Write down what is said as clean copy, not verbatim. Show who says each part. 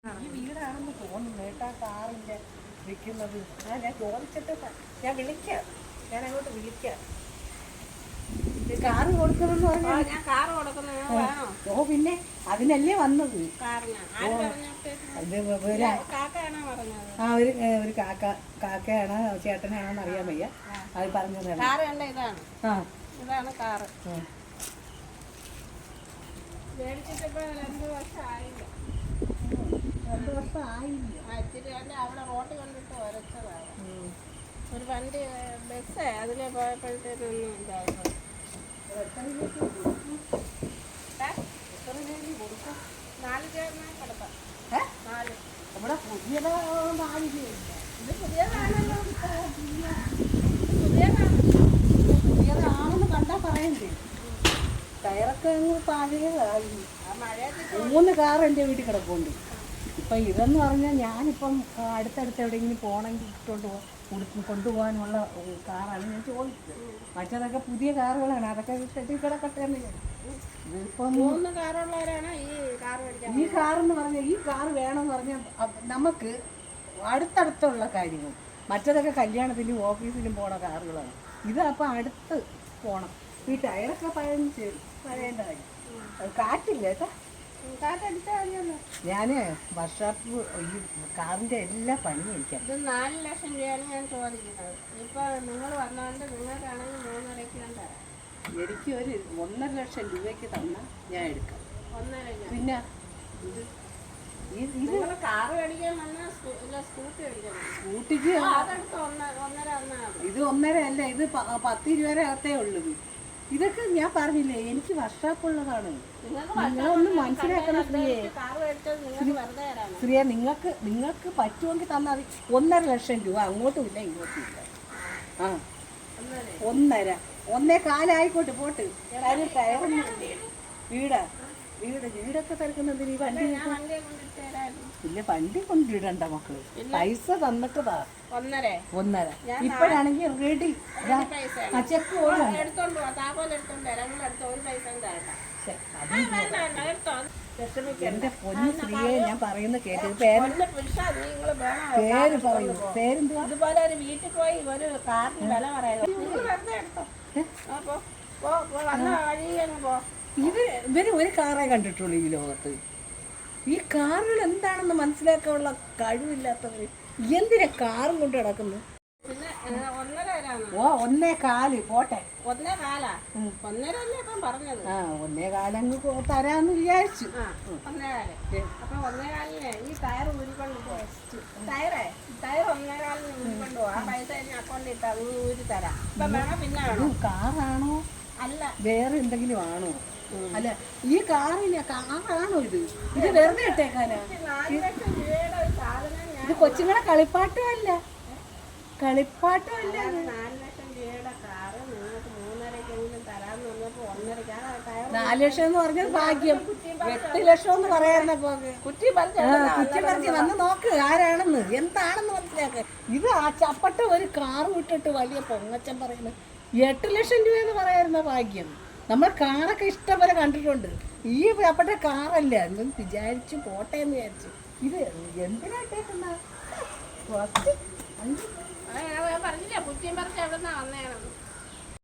Speaker 1: ഈ വീടാണെന്ന് തോന്നുന്നു കേട്ടാ കാറിന്റെ വിൽക്കുന്നത്. ഞാൻ ചോദിച്ചിട്ട് ഞാൻ വിളിക്കാം, ഞാൻ അങ്ങോട്ട് വിളിക്കാം. കാറ് കൊടുക്കണമെന്ന് പറഞ്ഞാൽ
Speaker 2: ഞാൻ കാറ് കൊടുക്കുന്നത്.
Speaker 1: ഓ പിന്നെ അതിനല്ലേ വന്നത്. ഒരു കാക്കയാണ് ചേട്ടനാണോന്ന് അറിയാൻ വയ്യ, അത് പറഞ്ഞതാണ്.
Speaker 2: ഇതാണ് കാറ്. മേടിച്ചിട്ടിപ്പോ 2 വർഷം ആയില്ല.
Speaker 1: 2 വർഷം ആയില്ല.
Speaker 2: ഇച്ചിരി അവിടെ റോട്ട് കണ്ടിട്ട് വരച്ചതാണ്. ഒരു വണ്ടി ബസ് അതിലെ പോയപ്പോഴത്തേക്കൊന്നും ഇതായിരുന്നു. 4 ചേർന്നാൽ കിടക്കാം. 4
Speaker 1: നമ്മുടെ പുതിയതാണല്ലോ.
Speaker 2: ഇത് പുതിയതാണല്ലോ.
Speaker 1: പുതിയതാണെന്ന് കണ്ടാ പറയണ്ടേ. ടയറൊക്കെ പഴയതായി. 3 കാർ എൻ്റെ വീട്ടിൽ കിടപ്പുണ്ട്. ഇപ്പം ഇതെന്ന് പറഞ്ഞാൽ ഞാനിപ്പം അടുത്തടുത്ത് എവിടെയെങ്കിലും പോകണമെങ്കിൽ കൊണ്ടുപോകാനുള്ള കാറാണ് ഞാൻ ചോദിച്ചത്. മറ്റേതൊക്കെ പുതിയ കാറുകളാണ്, അതൊക്കെ കെട്ടി കിടക്കട്ടെ എന്ന്. ഇതിപ്പം
Speaker 2: 3 കാറുള്ളവരാണ്
Speaker 1: ഈ കാറെന്ന് പറഞ്ഞാൽ ഈ കാറ് വേണമെന്ന് പറഞ്ഞാൽ നമുക്ക് അടുത്തടുത്തുള്ള കാര്യങ്ങൾ. മറ്റേതൊക്കെ കല്യാണത്തിലും ഓഫീസിലും പോണ കാറുകളാണ്. ഇത് അപ്പം അടുത്ത് പോകണം. ഈ ടയറൊക്കെ പഴയേണ്ട കാര്യം. കാറ്റില്ല കേട്ടോ. ഞാന് വർഷാപ്പ് ഈ കാറിന്റെ എല്ലാ പണിയും എനിക്കാണ്.
Speaker 2: ഇത് 4 ലക്ഷം രൂപയാണ് ഞാൻ ചോദിക്കുന്നത്. ഇപ്പൊ നിങ്ങൾ വന്നോണ്ട് നിങ്ങൾക്കാണെങ്കിൽ 3.5 തരാം.
Speaker 1: എനിക്ക് ഒരു 1.5 ലക്ഷം രൂപയ്ക്ക് തന്നാൽ ഞാൻ എടുക്കാം.
Speaker 2: 1.5.
Speaker 1: പിന്നെ
Speaker 2: ഇത് കാറ് മേടിക്കാൻ വന്നാൽ സ്കൂട്ടി മേടിക്കണം.
Speaker 1: സ്കൂട്ടിക്ക്
Speaker 2: അതെടുത്ത് 1.5
Speaker 1: ഇത് 1.5 അല്ല, ഇത് 10-20 അകത്തേ ഉള്ളൂ. ഇതൊക്കെ ഞാൻ പറഞ്ഞില്ലേ, എനിക്ക് വർഷാപ്പുള്ളതാണ്. നിങ്ങളൊന്നും മനസ്സിലാക്കണം സ്ത്രീയെ. സ്ത്രീയെ നിങ്ങൾക്ക് പറ്റുമെങ്കിൽ തന്നാൽ മതി. 1.5 ലക്ഷം രൂപ അങ്ങോട്ടും ഇല്ല ഇങ്ങോട്ടും ഇല്ല. 1.5 1.25 ആയിക്കോട്ടെ പോട്ട്. കാര്യം ടയറൊന്നും വീടൊക്കെ തിരക്കുന്നതിന് ഈ വണ്ടി ഇല്ല. വണ്ടി കൊണ്ടിടണ്ട മക്കള്, പൈസ തന്നിട്ടതാ 1.5. ഇപ്പോഴാണെങ്കിൽ റെഡി. ചെക്ക് എന്റെ പൊന്നു സ്ത്രീയെ ഞാൻ പറയുന്ന കേട്ടത്. പേര് പറയൂ. പേരെന്തുവാ?
Speaker 2: ഇതുപോലെ ഒരു വീട്ടിൽ പോയി ഒരു കാറിന് വില പറയുന്നത്.
Speaker 1: ഇവര് ഒരു കാറേ കണ്ടിട്ടുള്ളൂ ഈ ലോകത്ത്. ഈ കാറുകൾ എന്താണെന്ന് മനസ്സിലാക്കാനുള്ള കഴിവില്ലാത്തവര് എന്തിനാ കാറും കൊണ്ട് കിടക്കുന്നു?
Speaker 2: പിന്നെ 1.5
Speaker 1: ഓ 1.25 പോട്ടെ.
Speaker 2: 1.25 പറഞ്ഞത്.
Speaker 1: 1.25 അങ്ങ് തരാന്ന് വിചാരിച്ചു.
Speaker 2: 1.25. അപ്പൊ 1.25 ഈ ടയർ ഊരിക്കൊണ്ട് ടയർ 1.25 ഊരിക്കൊണ്ട് പോകും. ആ പൈസ അക്കൗണ്ടിൽ ഇട്ട് അത് ഊരി തരാം. ഇപ്പൊ വേണോ പിന്നെ വേണോ?
Speaker 1: കാറാണോ
Speaker 2: അല്ല
Speaker 1: വേറെ എന്തെങ്കിലും ആണോ? അല്ല ഈ കാറാണോ ഇത് വെറുതെ ഇട്ടേക്കാനാ?
Speaker 2: 4 ലക്ഷം രൂപയുടെ ഒരു സാധനം
Speaker 1: ഇത് കൊച്ചുങ്ങളെ കളിപ്പാട്ടമല്ല.
Speaker 2: 4 ലക്ഷം രൂപയുടെ കാറ് നിങ്ങൾക്ക് 3.5 തരാന്ന് പറഞ്ഞപ്പോ 1.5.
Speaker 1: 4 ലക്ഷം എന്ന് പറഞ്ഞത് ഭാഗ്യം. 8 ലക്ഷം എന്ന് പറയാറുണ്ട്. കുറ്റി പറിച്ച് വന്ന് നോക്ക് ആരാണെന്ന്, എന്താണെന്ന് മനസ്സിലാക്കുക. ഇത് ആ ചപ്പട്ട ഒരു കാറ് വിട്ടിട്ട് വലിയ പൊങ്ങച്ചം പറയുന്നത് 8 ലക്ഷം രൂപ എന്ന് പറയാറുന്ന ഭാഗ്യം. നമ്മൾ കാറൊക്കെ ഇഷ്ടം പോലെ കണ്ടിട്ടുണ്ട്. ഈ ചപ്പട്ട കാറല്ല എന്ന് വിചാരിച്ചു പോട്ടെ എന്ന് വിചാരിച്ചു. ഇത് എന്തിനായിട്ടേക്കുന്ന
Speaker 2: പറഞ്ഞില്ല കുറ്റിയും പറിച്ച് എവിടെ നിന്നാ വന്നേണെന്ന്.